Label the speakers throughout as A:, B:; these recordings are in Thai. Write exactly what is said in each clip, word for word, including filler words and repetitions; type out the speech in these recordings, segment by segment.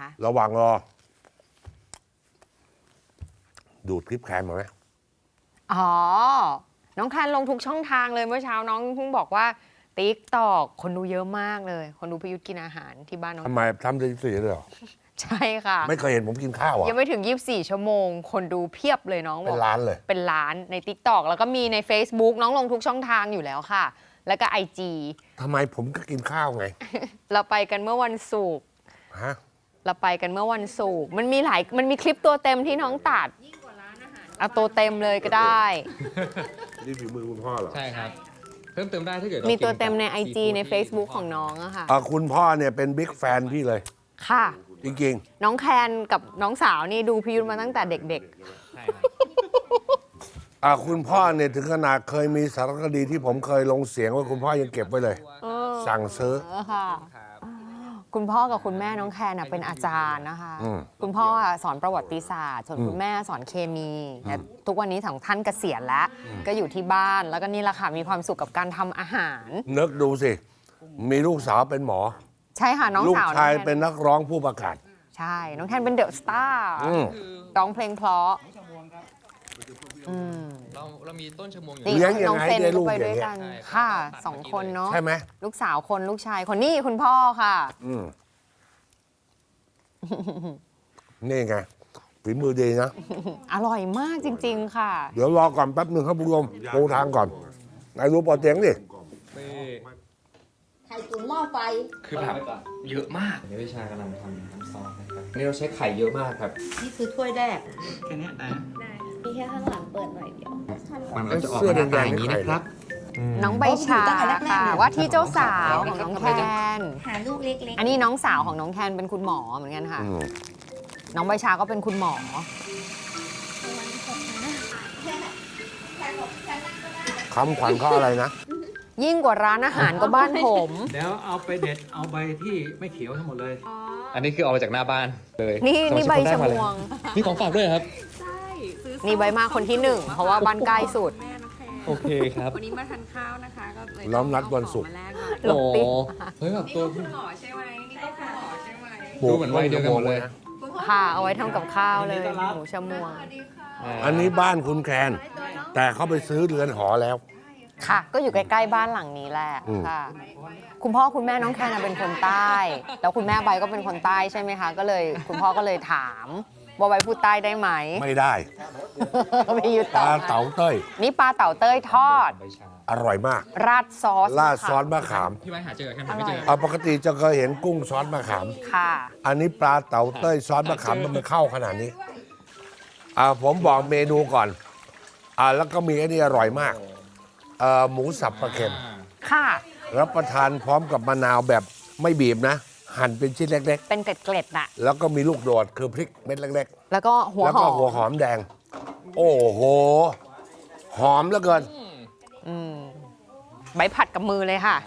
A: คะ
B: ระหว่างรอดูดคลิปแคมมาไหม
A: อ๋อน้องแคนลงทุกช่องทางเลยเมื่อเช้าน้องเพิ่งบอกว่าติ๊กตอกคนดูเยอะมากเลยคนดูพิยุทธกินอาหารที่บ้านน้อง
B: ทำไมทำได้สี่เลยเหรอ
A: ใช่ค่ะ
B: ไม่เคยเห็นผมกินข้าวอ่ะ
A: ยังไม่ถึงยี่สิบสี่ชั่วโมงคนดูเพียบเลยน้องบ
B: เป็
A: อก
B: นล้านเลย
A: เป็นล้านใน ติ๊กตอก แล้วก็มีใน เฟซบุ๊ก น้องลงทุกช่องทางอยู่แล้วค่ะแล้วก็ ไอ จี
B: ทำไมผมก็กินข้าวไง
A: เราไปกันเมื่อวันศุกร์
B: ฮะ
A: เราไปกันเมื่อวันศุกร์มันมีหลายมันมีคลิปตัวเต็มที่น้องตัดเอาตัวเต็มเลยก็ได้
B: นี่ฝีมือคุณพ่อเหรอ
C: ใช่ครับเพิ่มเติมได้ถ้าเกิด
A: มีตัวเต็มใน ไอ จี ใน เฟซบุ๊ก ของน้องอะค่ะ
B: อ่ะคุณพ่อเนี่ยเป็นบิ๊กแฟนพี่เลย
A: ค่ะ
B: จริงๆ
A: น้องแคนกับน้องสาวนี่ดูพิยุทธมาตั้งแต่เด็ก
C: ใช่ครับ
B: อ่ะคุณพ่อเนี่ยถึงขนาดเคยมีสารคดีที่ผมเคยลงเสียงไว้คุณพ่อยังเก็บไว้เลย
A: ๆเออ
B: สั่งซื้อ
A: เออค่ะ คุณพ่อกับคุณแม่น้องแคนน่ะเป็นอาจารย์นะคะ
B: อืม
A: คุณพ่อสอนประวัติศาสตร์ ส่วนคุณแม่สอนเคมีและทุกวันนี้สองท่านเกษียณแล้ว ก็อยู่ที่บ้าน แล้วก็นี่แหละค่ะมีความสุขกับการทำอาหาร
B: นึกดูสิ มีลูกสาวเป็นหมอ
A: ใช่ค่ะน้อง
B: ลูก
A: สาว
B: ชาย
A: องแค
B: เป็นนักร้องผู้ประกาศ
A: ใช่ น้องแคนเป็นเดอะสตาร์
B: อืม
A: ร้องเพลงเพราะอืม
C: เราเรามีต้นชะมวงอยู่
A: นี่
B: เลี้ยงยังไง
A: น้องเซน
B: ได้ลู
A: ก็
B: ก
A: ไป
B: อย่าง
A: ด้วย
B: เงี้ย
A: กันค่ะสองคนเนาะ
B: ใช่ไหม
A: ลูกสาวคนลูกชายคนนี่คุณพ่อค่ะ
B: อืมนี่ไงฝีมือดีนะ
A: อร่อยมากจริง ๆ ค่ะ
B: เดี๋ยวรอก่อนแป๊บหนึ่งครับผู้ชมปูทางก่อนนายรู้ปอเตียงดิ
D: ไข่ตุ๋นหม้อไฟ
C: คือแบบเยอะมากนี่วิชากำลังทำน้ำซอสนะครับนี่เราใช้ไข่เยอะมากครับ
D: นี่คือถ้วยแรก
C: แค่นี้นะ
E: มีแค่ข้างหลังเปิดหน่อยเดียว
C: มันก็จะออกมาหน้าตาอย่างนี้นะครับ
A: น้องใบชาค่ะว่าที่เจ้าสาวของน้องแคน
E: หาลูกเล็ก
A: อันนี้น้องสาวของน้องแคนเป็นคุณหมอเหมือนกันค่ะ
B: อืม
A: น้องใบชาก็เป็นคุณหมอ
B: คำขวัญเขาอะไรนะ
A: ยิ่งกว่าร้านอาหารก็บ้านผม
F: เดี๋ยวเอาไปเด็ดเอาใบที่ไม่เขียวทั้งหมดเลย
C: อันนี้คือเอามาจากหน้าบ้านเลย
A: นี่นี่ใบชะมวง
C: มีของฝากด้วยครับ
E: ๆ ใช่ซื้อ
A: นี่ใบมาคนที่หนึ่งเพราะว่าบ้านใกล้สุด
E: แม่น้องแคน
C: โอเคครับ
E: วันนี้มาทานข้าวนะคะ ก็เลย
B: ล้อมนัดวันศุกร์
E: เอาของมาแลกหน่อย
A: หลบติ๊ก
C: โอ้เฮ้ยแบบ
E: นี่
C: ตัว
E: ก็คุณหมอใช่ไหมนี่ก็คุณหมอใช่ไหม
C: ดูเหมือนวัยเดียวกันหมดเลย
E: คุณพ่อ
A: ค่ะ เอาไว้ทำกับข้าวเลย
F: อันนี้ก็รับ
A: หมูชะมวง
E: สวัสดีค่ะ
B: อันนี้บ้านคุณแคนแต่เขาไปซื้อเรือนหอแล้ว
A: ค่ะ ก็อยู่ใกล้ๆบ้านหลังนี้แหละ
B: อืม
A: ค่ะ คุณพ่อคุณแม่น้องแคนน่ะเป็นคนใต้ แล้วคุณแม่ใบก็เป็นคนใต้ใช่ไหมคะ ก็เลยคุณพ่อก็เลยถามว่าใบพูดใต้ได้ไหม
B: ไม่ได้
A: ไม่ยุ
B: ป
A: ต่อ
B: ลาเต๋าเต้ย
A: นี่ปลาเต่าเต้ยทอด
C: ใบชา
B: อร่อยมาก
A: ราดซอส
B: ราดซอสมะขาม
C: พี่ไว้หาเจอแค่ไหนไม่เจอ
B: เอาปกติจะเคยเห็นกุ้งซอสมะขาม
A: ค่ะ
B: อันนี้ปลาเต๋าเต้ยซอสมะขามมันไม่เข้าขนาดนี้อ่าผมบอกเมนูก่อนอ่าแล้วก็มีอันนี้อร่อยมากเอ่อหมูสับปลาเค็ม
A: ค่ะ
B: รับประทานพร้อมกับมะนาวแบบไม่บีบนะ หั่นเป็นชิ้นเล็ก
A: เป็นเกล็ดๆน่ะ
B: ๆ แล้วก็มีลูกโดดคือพริกเม็ดเล็ก
A: แล้วก็หั
B: ๆ
A: ว
B: แล้ว
A: ห
B: ก็
A: อม
B: หัวหอมแดง โอ้โห หอมเหลือเกิน
A: อืมใบผัดกับมือเลยค่ะ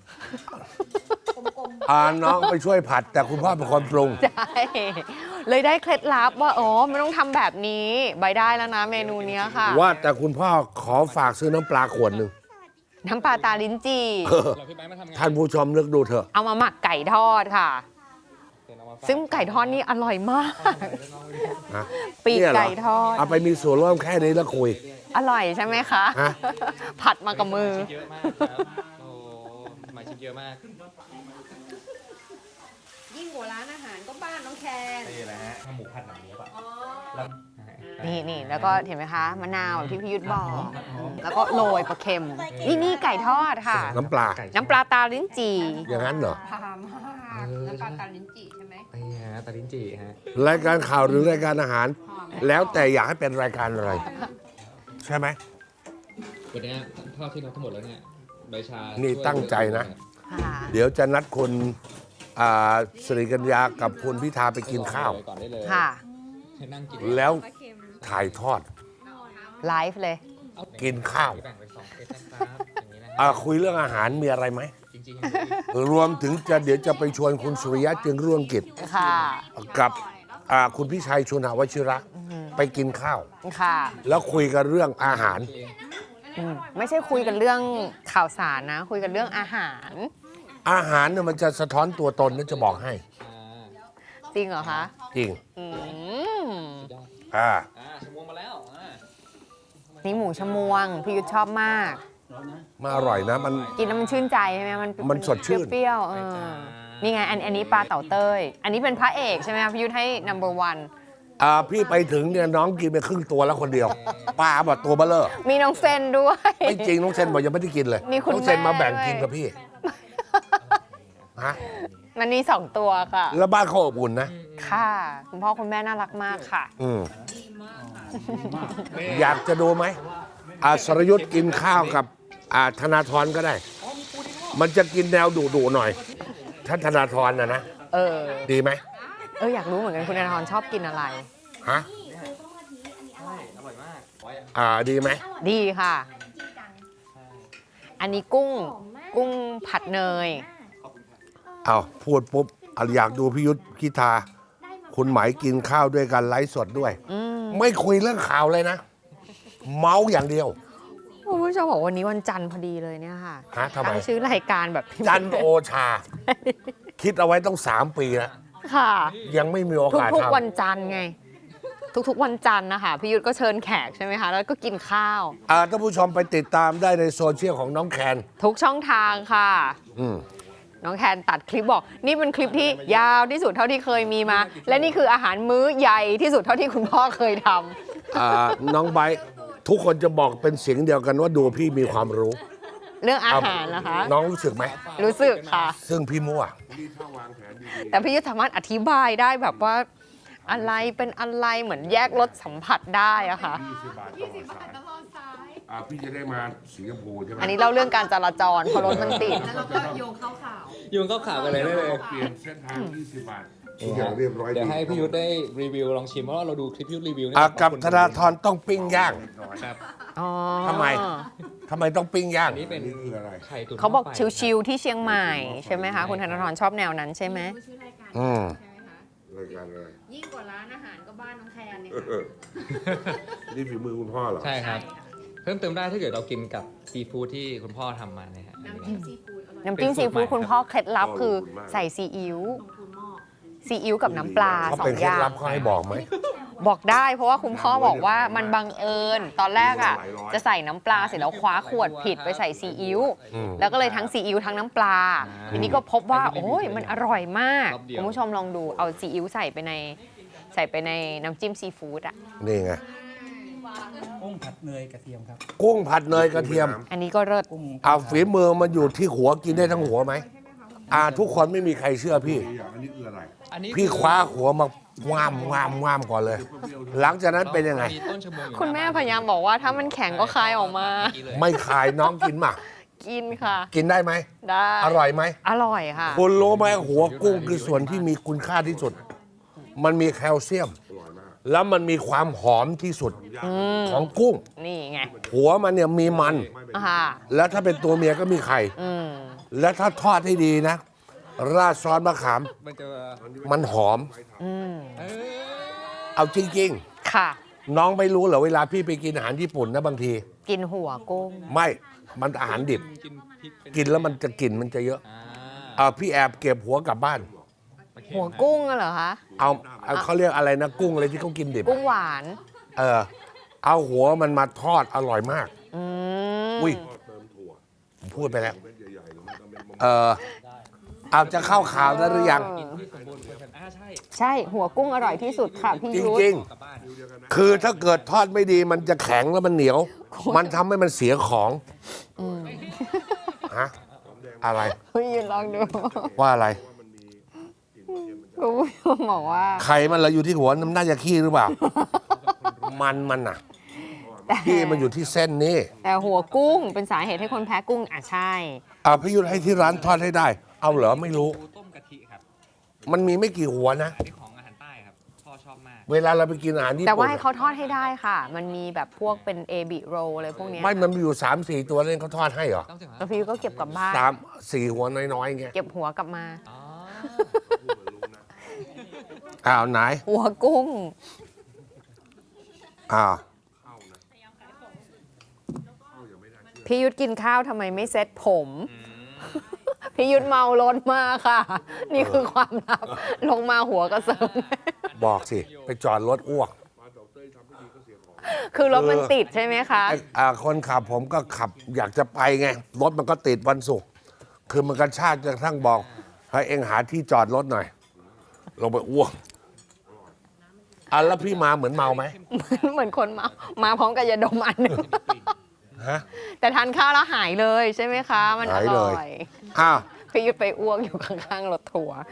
B: อ่าน้องไปช่วยผัด แต่คุณพ่อเป็นคนปรุง
A: ใช่ เลยได้เคล็ดลับว่าอ๋อไม่ต้องทำแบบนี้ ใบได้แล้วนะเมนูเนี้ยค่ะ
B: ว่าแต่คุณพ่อขอฝากซื้อน้ำปลาขวดหนึ่ง
A: น้ำปลาตาลิ้นจี่
C: เราพี่ไว้มาทำงาน
B: ท่านผู้ชมนึกดูเถอะ
A: เอามาหมักไก่ทอดค่ะ
C: เดี๋ยวเอามาฝาก
A: ซึ่งไก่ทอดนี่อร่อยมาก
B: ฮะ
A: ปีก
B: เนี่ยเหรอ
A: ไก่ทอด
B: เอาไปมีส่วนร่วมแค่นี้แล้วคุย
A: อร่อยใช่ไหมคะ
B: ฮะ
A: ผัดมากับมือ
C: เยอะมากครับโอ้หมายชิ้นเยอะมาก
A: ยิ่งกว่าร้านอาหารก็บ้านน้องแคน
C: นี่แหละฮะหมูผัดหนังเนื้อป่ะ
A: นี่นี่แล้วก็เห็นไหมคะมะนาวแบบที่พี่ยุทธบอก แล้วก็โรยปลาเค็ม นี่นี่ไก่ทอดค่ะ
B: น้ำปลา
A: น้ำปลาตาลิ้นจี่
B: อย่างนั้นเหรอ
A: พามากน้ำปลาตาลิ้นจี่ใช่ไหม
C: นี่ฮะตาลิ้นจี่ฮะ
B: รายการข่าวหรือรายการอาหาร แล้วแต่อยากให้เป็นรายการอะไร ใช่ไหม
C: วันนี้ทอดที่เราทั้งหมดแล้วเนี่ยใบชา
B: นี่
C: นี่
B: ตั้งใจนะ
A: ค่ะ
B: เดี๋ยวจะนัดคุณอ่าสิริกัญญากับคุณพิธาไปกินข้าว
C: ก่อนได้เลย
A: ค่ะ
C: ให้นั่งกิน
B: แล้วถ่ายทอด
A: ไลฟ์เลย
B: กินข้าว
C: แบ่งเป็นสองเซตนะครับอย่างนี้นะฮะ
B: อ่าคุยเรื่องอาหารมีอะไรไหม
C: จริงๆ
B: รวมถึงจะเดี๋ยวจะไปชวนคุณสุริยะจึงรุ่งกิจ
A: ค่ะ
B: กับอ่าคุณพิชัยชุนหวชิระ ไปกินข้าว
A: ค่ะ
B: แล้วคุยกันเรื่องอาหาร
A: อืมไม่ใช่คุยกันเรื่องข่าวสารนะ คุยกันเรื่องอาหาร
B: อาหารเนี่ยมันจะสะท้อนตัวตนนะจะบอกให้
C: อ่า
A: จริงเหรอคะ
B: จริง
A: อืม
B: อ่า
C: อ่าชมวงมาแล้วอ่า
A: นี่หมูชมวงพี่ยุทธชอบมาก
B: มาอร่อยนะมัน
A: กินแล้วมันชื่นใจใช่ไหมมัน
B: มันสดชื่น
A: เปรี้ยวๆเออนี่ไงอันอันนี้ปลาเต่าเต้ย อันนี้เป็นพระเอกใช่ไหมคะพี่ยุทธให้ number one
B: อ่าพี่ไปถึงเนี่ยน้องกินไปครึ่งตัวแล้วคนเดียวปลาแบบตัวเบ้อเลอ
A: มีน้องเซนด้วย
B: ไม่จริงน้องเซนบอกยังไม่ได้กินเลย
A: มีคุณ
B: น้องเซนมา
A: แม่
B: แบ่ง
A: ด้วย
B: กินกับพี่ฮะ
A: มันมีสองตัวค่ะ
B: แล้วบ้านเขาอบอุ่นนะ
A: ค่ะ คุณพ่อคุณแม่น่ารักมากค่ะ
B: อืมอยากจะดูไหมอาสรยุทธ์กินข้าวกับอาธนาธรก็ได้ มันจะกินแนวดุๆหน่อยท่านธนาธรนะนะ
A: เออ
B: ดีไหม
A: เอออยากรู้เหมือนกันคุณธนาธรชอบกินอะไร
B: ฮะ
C: ใช่อร่อยมากไว้
B: อ่าดีไหม
A: ดีค่ะ อันนี้กุ้ง กุ้งผัดเนย
B: เอาพูดปุ๊บอ่ะอยากดูพิยุทธพิธา คุณหมายกินข้าวด้วยกันไลฟ์สดด้วย
A: อืม
B: ไม่คุยเรื่องข่าวเลยนะ เมาส์อย่างเดียว
A: คุณผู้ชมบอกวันนี้วันจันทร์พอดีเลยเนี่ยค่ะ
B: ฮะทำไม
A: ตั้งชื่อรายการแบบ
B: จันโอชา คิดเอาไว้ต้องสามปีแล้ว
A: ค่ะ
B: ยังไม่มีโอกาส
A: ทุกๆ วัน
B: ทำ
A: จันทร์ไง ทุกๆวันจันทร์นะคะพี่ยุทธก็เชิญแขกใช่ไหมคะ แล้วก็กินข้าว
B: อ่าท่านผู้ชมไปติดตามได้ในโซเชียลของน้องแคน
A: ทุกช่องทางค่ะ
B: อืม
A: น้องแคนตัดคลิปบอก นี่เป็นคลิปที่ยาวที่สุดเท่าที่เคยมีมา และนี่คืออาหารมื้อใหญ่ที่สุดเท่าที่คุณพ่อเคยทำ
B: อ่าน้องไบร์ททุกคนจะบอกเป็นเสียงเดียวกันว่าดูพี่มีความรู้
A: เรื่องอาหารนะคะ
B: น้องรู้สึกไหม
A: รู้สึกค่ะ
B: ซึ่งพี่มั่ว
A: แต่พี่ยุทธสามารถอธิบายได้แบบว่าอะไรเป็นอะไรเหมือนแยกรสสัมผัสได้อะค่ะ
B: อ่าพี่จะได้มาสิงคโปร์ใช่ไหม
A: อันนี้เล่าเรื่องการจราจรเพราะรถมันติด
E: แล้วเราก็โยงเข้าข่าว
C: โยงเข้าข่าวกันเลยได้เลย
B: เปลี่ยนเส้นทางยี่สิบบาททุกอย่างเรียบร้อย
C: เดี๋ยวให้พี่ยุทธได้รีวิวลองชิมเพราะว่าเราดูคลิปพี่ยุทธรีวิวนี่
B: อ่ากับ
C: ขอบคุณ
B: ธนาธรต้องปิ้งย่าง
C: ครับ
A: อ๋อ
B: ทำไม ทำไมต้องปิ้งย่าง
C: อันนี้เป็นไข่ตุ๋น
A: เขาบอก
C: หม้ไฟ
A: ชิวๆที่เชียงใหม่ใช่ไหมคะ คุณธนาธรชอบแนวนั้นใช่ไหม
E: ชื่อรายการ
B: อืม
E: ใช่ไหมคะ
B: รายการอะไร
E: ยิ่งกว่าร้านอาหารก็บ้านน้องแคนเนี่ย
B: นี่ฝีมือคุณพ่อเหรอ
C: ใช่ครับ เพิ่มเติมได้ถ้าเกิดเรากินกับซีฟู้ดที่คุณพ่อทำมาเนี่ยฮะ
E: น้ำจิ้มซีฟู้ดอร่อย
A: น้ำจิ้มซีฟู้ดคุณพ่อเคล็ดลับคือใส่ซีอิ๊ว
E: ลงทุนหม้อ
A: ซีอิ๊วกับน้ำปลา
B: เขา
A: สอ
B: เป็น
A: ง
B: เค
A: อ
B: ล็ด
A: ย่าง
B: ลับเขาให้บอกไหม
A: บอกได้เพราะว่าคุณพ่อบอกว่ามันบังเอิญตอนแรกอ่ะจะใส่น้ำปลาเสร็จแล้วคว้าขวดผิดไปใส่ซีอิ๊ว
B: อืม
A: แล้วก็เลยทั้งซีอิ๊วทั้งน้ำปลาทีนี้ก็พบว่าโอ้ยมันอร่อยมาก
C: รอบเดียว
A: คุณผู้ชมลองดูเอาซีอิ๊วใส่ไปในใส่ไปในน้ำจิ้มซีฟู้ดอ่ะ
B: นี่ไง
F: กุ้งผัดเนยกระเทียมครับ
B: กุ้งผัดเนยกระเทียม
A: อันนี้ก็เลิศ
F: กุ้ง
B: เอาฝีมือมันอยู่ที่หัวกินได้ทั้งหัวไหมอ่าทุกคนไม่มีใครเชื่อพี่
C: อันนี้
B: พี่คว้าหัวมาง่ามง่ามง่ามก่อนเลย หลังจากนั้นเป็นยังไง
C: มีต้นชะมวงอยู่
A: คุณแม่พยายามบอกว่าถ้ามันแข็งก็คายออกมา
B: ไม่ขายน้องกินมา
A: กินค่ะ
B: กินได้ไหม
A: ได้
B: อร่อยไหม
A: อร่อยค่ะ
B: คุณรู้ไหมหัวกุ้งคือส่วนที่มีคุณค่าที่สุด มันมีแคลเซียม แล้วมันมีความหอมที่สุดของกุ้ง
A: นี่ไง
B: หัวมันเนี่ยมีมัน
A: ค่ะ
B: แล้วถ้าเป็นตัวเมียก็มีไข่
A: อืม
B: และถ้าทอดให้ดีนะ ราดซอสมะขาม
C: มันจะ
B: มันหอม
A: อืม
C: เออ
B: เอาจริง
A: ค่ะ
B: ๆ น้องไม่รู้เหรอเวลาพี่ไปกินอาหารญี่ปุ่นนะบางที
A: กินหัวกุ้ง
B: ไม่ มันอาหารดิบ
C: กินพริกเป็น
B: กินแล้วมันจะกลิ่นมันจะเยอะ
C: อ่า
B: เออพี่แอบเก็บหัวกลับบ้าน
A: หัวกุ้งอะเหรอคะ
B: เอาเอาเขาเรียกอะไรนะกุ้งอะไรที่เขากินดิบ
A: กุ้งหวาน
B: เออ เอาหัวมันมาทอดอร่อยมาก
A: อืม
B: อุ้ยผมพูดไปแล้ว เออเอาจะเข้าข่าวแล้วหรือยัง
C: กินที่สมบูรณ์ควรกันอ่าใช่
A: ใช่ หัวกุ้งอร่อยที่สุดค่ะพี่
B: จ
A: ยุทธ
B: ริง
C: กลับบ้าน
B: ๆ คือถ้าเกิดทอดไม่ดีมันจะแข็งแล้วมันเหนียว มันทำให้มันเสียของฮะอะไร
A: พี่ยืนลองดู
B: ว่าอะไร
A: คุณผู้ชมบอกว่า
B: ไข่มันเหราอยู่ที่หัวน้ำน่าจะขี้หรือเปล่า มันมันอ่ะ
A: แต่
B: ขี้มันอยู่ที่เส้นนี้
A: แต่หัวกุ้งเป็นสาเหตุให้คนแพ้กุ้งอ่ะใช่
B: อ่าพี่ยุทธให้ที่ร้านทอดให้ได้ เอาเหรอไม่รู้
C: ปูต้มกะทิครับ
B: มันมีไม่กี่หัวนะ
C: อันนี้ของอาหารใต้ครับพ่อชอบมาก
B: เวลาเราไปกินอาหารญี่
A: แต่ว่า
B: ปุ่น
A: ให้เขาทอดให้ได้ค่ะ มันมีแบบพวกเป็นเอบิโรอะไรพวกเนี้ย
B: ไม่มันมีอยู่สามสี่ตัวเล่นเขาทอดให้เหรอ
C: ต้องเสียง
A: แล้วพี่ยุทธก็เก็บกลับบ้าน
B: สามสี่หัวน้อยๆเงี้ย
A: เก็บหัวกลับมา
C: อ๋อ
B: อ้าวไหน
A: หัวกุ้ง
B: อ้าว
A: พี่ยุทธกินข้าวทำไมไม่เซ็ตผม พี่พี่ยุทธเมารถมากค่ะ นี่คือความลับ ลงมาหัวกระเซิง
B: บอกสิ ไปจอดรถอ้วก
A: คือรถมันติดใช่ไหมคะ
B: ไอ้อ่าคนขับผมก็ขับอยากจะไปไง รถมันก็ติดวันศุกร์คือมันกระชากจนกระทั่งบอกให้เองหาที่จอดรถหน่อย ลงไปอ้วกอ่ะแล้วพี่มาเหมือนเมาไหม
A: เหมือนคนเมามาพร้อมกับยาดมอันหนึ่ง
B: ฮะ
A: แต่ทานข้าวแล้วหายเลยใช่ไหมคะ มันอ
B: หายเล
A: ร่
B: ย
A: อย
B: อ้าว
A: พี่ยุทธไปอ้วกอยู่ข้างๆรถทัวร์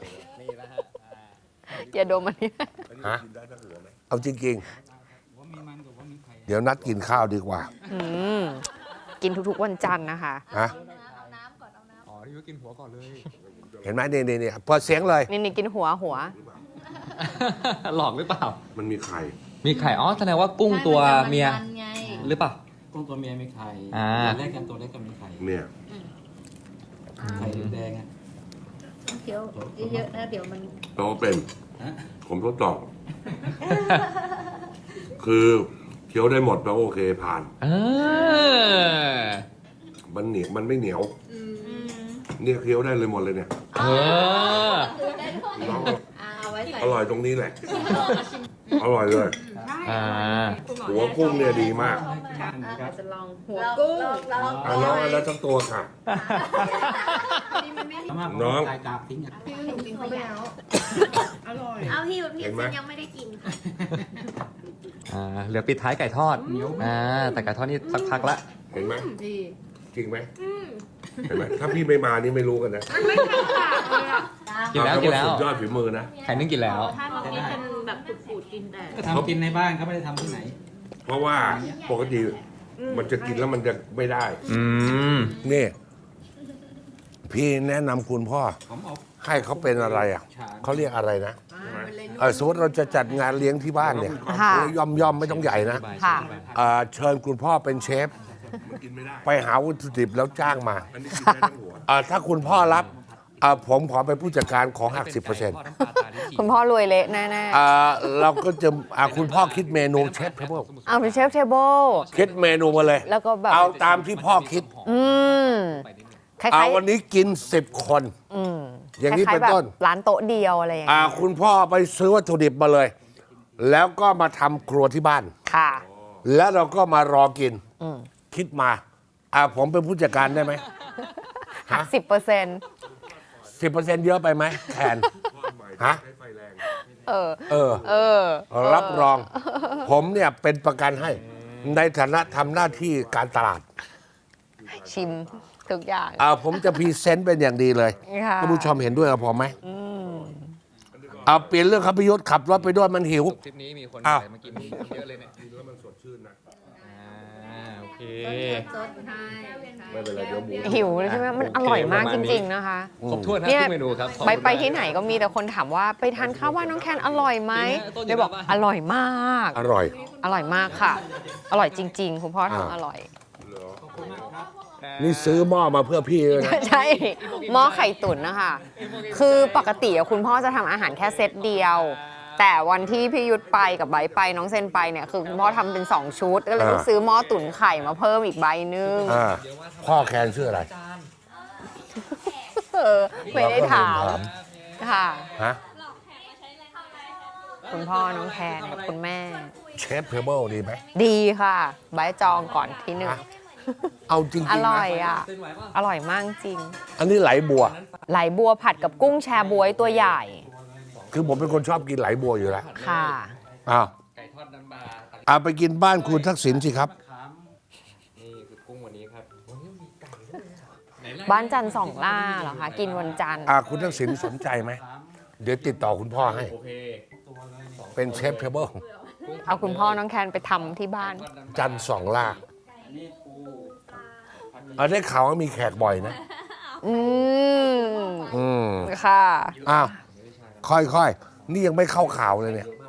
A: ยาดมอันนี้
B: ฮะเอาจริง
F: ว่ามีมันกับว่ามีไข่
B: ๆ เดี๋ยวนัดกินข้าวดีกว่า
A: อืมกินทุกๆวันจันทร์นะคะ
B: ฮะ
C: อ๋อที่ว่ากินหัวก่อนเลย
B: เห็นไหมนี่นี่นี่เปิดเสียงเลย
A: นี่นี่กินหัวหัว
C: หลอกหรือเปล่า
B: มันมีไข่
C: มีไข่ อ๋อ แสดงว่ากุ้งตัวเมีย
E: นไง
C: หรือเปล่า
F: กุ้งตัวเมียมีไข่
C: อ่า
F: ตัวแรกกันตัวเล็กก็มีไข่
B: เนี่ย
F: ไข่แดงๆอ่ะ
E: เคี้ยวเยอะๆนะเดี๋ยวมัน
D: เราก็เป็น
F: ฮะ
D: ผมทดสอบ คือเคี้ยวได้หมดแล้วโอเคผ่าน
C: เออ
D: มันเหนียวมันไม่เหนียว เนี่ยเคี้ยวได้เลยหมดเลยเนี่ย
C: เออ
D: น้อง
E: เอาไว้ใส่
D: อร่อยตรงนี้แหละ อร่อยเลย
C: อ่า
D: หัวกุ้งเนี่ยดีมาก
F: ครับ
E: จะลองหัวกุ้ง
D: อ่ะน้องเอาแล้วทั้งตัวค่ะ
F: สามารถ
D: น้อง
F: ไข่กาบทิ้งอ่ะ
E: กินเข้าไปแล้วอร่อย
G: เอาพี่ยุทธพี่
D: เห็นไหม
G: ฉันยังไม่ได้กินค่ะ
C: อ่า เหลือปิดท้ายไก่ทอด อ่า แต่ไก่ทอดนี่สักพักละ
D: เห็นไหม
E: ดี
D: จริงไหมเห็นไหมถ้าพี่ไม่มานี่ไม่รู้กันนะ
E: ไม่ทำขาดเลยอ่ะ
C: กินแล้ว
D: เอา
C: กิน
D: ต่า
C: แล้ว
D: สุดยอดฝีมือนะ
C: ไข่นึ่งกินแล้ว
E: ถ้าเมื่อกี้เป็นแบบขูดๆกินแต่
F: ก็ทำกินในบ้านเขาไม่ได้ทำที่ไหน
D: เพราะว่าปกติมันจะกินแล้วมันจะไม่ได้
C: อืม
B: นี่ พี่แนะนำคุณพ่อ
F: ผมเอา
B: ให้เขาเป็นอะไรอ่ะ
F: ฉาน
B: เขาเรียกอะไรนะเออสมมติเราจะจัดงานเลี้ยงที่บ้านเนี่ย
A: ค่ะ
B: ย่อมย่อมๆไม่ต้องใหญ่นะ
A: ค่ะ
B: เอ่อเชิญคุณพ่อเป็นเชฟ
D: มันกินไม่ได้
B: ไปหาวัตถุดิบแล้วจ้างมา
D: อันนี้กินได้ทั้งหัว
B: เอ่อถ้าคุณพ่อรับเอ่อผมขอเป็นผู้จัดการขอหักสิบเปอร์เซ็นต์
A: คุณพ่อรวยเละแน่
B: เราก็จะอ่ะคุณพ่อคิดเมนูเชฟเทเบิล
A: ๆเอาเป็นเชฟเทเบิล
B: คิดเมนูมาเลย
A: แล้วก็แบบ
B: เอาตามที่พ่อคิด
A: อืมคล้า
B: เอา
A: ย
B: วันนี้กินสิบคน
A: ๆอืม
B: อย่างนี้
A: คล้
B: เป็น
A: ๆแบบ
B: ต้น
A: ร้านโต๊ะเดียวอะไรอย่าง
B: อ่า
A: เงี้ย
B: คุณพ่อไปซื้อวัตถุดิบมาเลย แล้วก็มาทำครัวที่บ้าน
A: ค่ะ
B: แล้วเราก็มารอกิน
A: อืม
B: คิดมาอ่าผมเป็นผู้จัดการได้ไหม
A: หักสิบเปอร์เซ็นต์
B: สิบเปอร์เซ็นต์เยอะไปไหมแทนฮะ
A: เออ
B: เออ
A: เออ
B: รับรอง ผมเนี่ยเป็นประกันให้ ในฐานะทำหน้าที่การตลาด
A: ชิมทุกอย่าง
B: อ่าผมจะพรีเซนต์เป็นอย่างดีเลย
A: ค่ะ
B: ท่านผู้ชมเห็นด้วยกับผมไหมเอาเปลี่ยนเรื่องครับพิยุทธขับรถไปด้วยมันหิว
C: ทริปนี้มีคน
B: อ้าว
C: มากินเยอะเลยเนี่ย
D: กินแล้วมันสดชื่นนะ
C: อ่า โอเค
E: ซดให้
D: ไม่เป็นไรเดี๋ยวหมู
A: หิวเลยใช่ไหมมันอร่อยมากจริง ๆ นะคะ
C: ครบถ้วนนะ
A: เนี่ย
C: ทุกเมนูครับขอบ
A: ไป
C: คุณ
A: ไป
C: มาก
A: ที่ไหนก็มีแต่คนถามว่าไปทานข้าวว่านน้องแคนอร่อยไหม
C: จริงฮะต้นอยู่
A: เลยบอก
C: หน้าบ้าน
A: อร่อยมาก
B: อร่อย
A: อร่อยมากค่ะ อร่อยจริง ๆ คุณพ่อ
B: อ่า
A: ทำอร่อย
B: นี่ซื้อหม้อมาเพื่อพี่เลยนะ
A: ใช่หม้อไข่ตุ๋นนะคะ คือปกติอะคุณพ่อจะทำอาหารแค่เซตเดียว แต่วันที่พี่ยุทธไปกับใบร์ทไปน้องเซนไปเนี่ยคือคุณพ่อทำเป็นสองชุด ก็เลยต้อง
B: อ่า
A: ซื้อหม้อตุ๋นไข่มาเพิ่มอีกใบหนึง
B: อ่าพ่อแคนชื่ออะไร
A: เออไม่ได้ถาม
B: เราก็ลืม
A: ค่ะ
B: ฮะ
A: คุณพ่อน้องแคนกับคุณแม่
B: เชฟเทเบิลดีไหม
A: ดีค่ะใบร์ทจองก่อนที่หนึ่ง
B: เอาจริง
A: อ
B: ๆ
A: ร่
B: นะ
A: อยอ่ะ อร่อยมากจริง
B: อันนี้ไหลบัว
A: ไหลบัวผัดกับกุ้งแชบวยตัวใหญ่
B: คือผมเป็นคนชอบกินไหลบัวอยู่แล้ว
A: ค่ะ
B: อ้าว
C: ไก่ทอดน้ำปลาตัก
B: เอาไปกินบ้านคุณทักษิณสิครับ
C: นี่คือกุ้งวันนี้ครับ วันนี้มีไก่ด้วยอะไหนล่ะ
A: บ้านจันทร์สองล่าเหรอคะ กินวันจันทร์
B: อ่าคุณทักษิณสนใจไหม เดี๋ยวติดต่อคุณพ่อให้
C: โอเค
B: เป็นเชฟเทเบิล
A: เอาคุณพ่อน้องแคนไปทำที่บ้าน
B: จันทร์สองล่าเอาได้ข่าวว่ามีแขกบ่อยนะ
A: อืม
B: อืม
A: ค่ะ
B: อ้าว ค่อยๆ นี่ยังไม่เข้าข่าวเลยเนี่ย
C: เยอะม